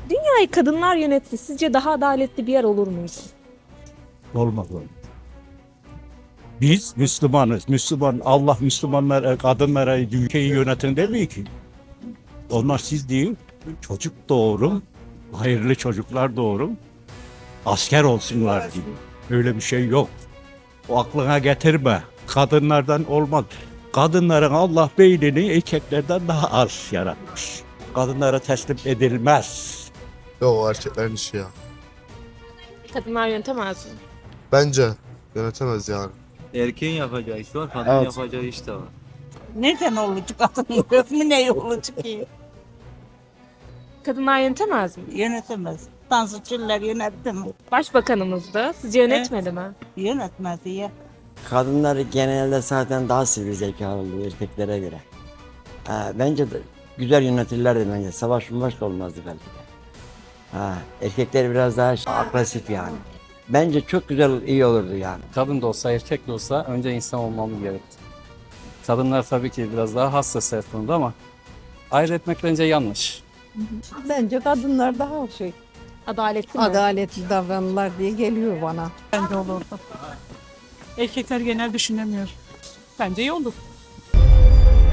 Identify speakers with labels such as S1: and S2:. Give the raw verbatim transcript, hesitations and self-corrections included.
S1: Dünyayı kadınlar yönetse sizce daha adaletli bir yer olur muydu?
S2: Olmaz öyle. Biz Müslümanız. Müslüman, Allah Müslümanlara, kadınlara ülkeyi yönetin demiyor ki. Onlar siz değil, çocuk doğurun, hayırlı çocuklar doğurun, asker olsunlar gibi. Öyle bir şey yok. O aklına getirme. Kadınlardan olmaz. Kadınların Allah beynini erkeklerden daha az yaratmış. Kadınlara teslim edilmez.
S3: Yok, erkeklerin işi ya.
S1: Kadınlar yönetemez mi?
S3: Bence yönetemez yani.
S4: Erkeğin yapacağı iş var, kadın
S3: Evet.
S4: yapacağı iş de var.
S5: Neden olacak kadın resmi ne olacak ki?
S1: Kadınlar yönetemez mi?
S5: Yönetemez. Tansiçiller yönetti mi?
S1: Başbakanımız da sizce yönetmedi mi?
S5: Yönetmez ya.
S6: Kadınlar genelde zaten daha sivri zekalı oluyor erkeklere göre. Ha, bence de güzel yönetirlerdi bence. Savaş mavaş da olmazdı belki de. Ha, erkekler biraz daha şey, agresif yani. Bence çok güzel, iyi olurdu yani.
S7: Kadın da olsa erkek de olsa önce insan olmamız gerekti. Kadınlar tabii ki biraz daha hassas her konuda ama ayrı etmek bence yanlış.
S8: Bence kadınlar daha şey
S1: Adaletli mi?
S8: adaletli davranırlar diye geliyor bana.
S9: Bence olurdu. Erkekler genel düşünemiyor. Bence iyi olur.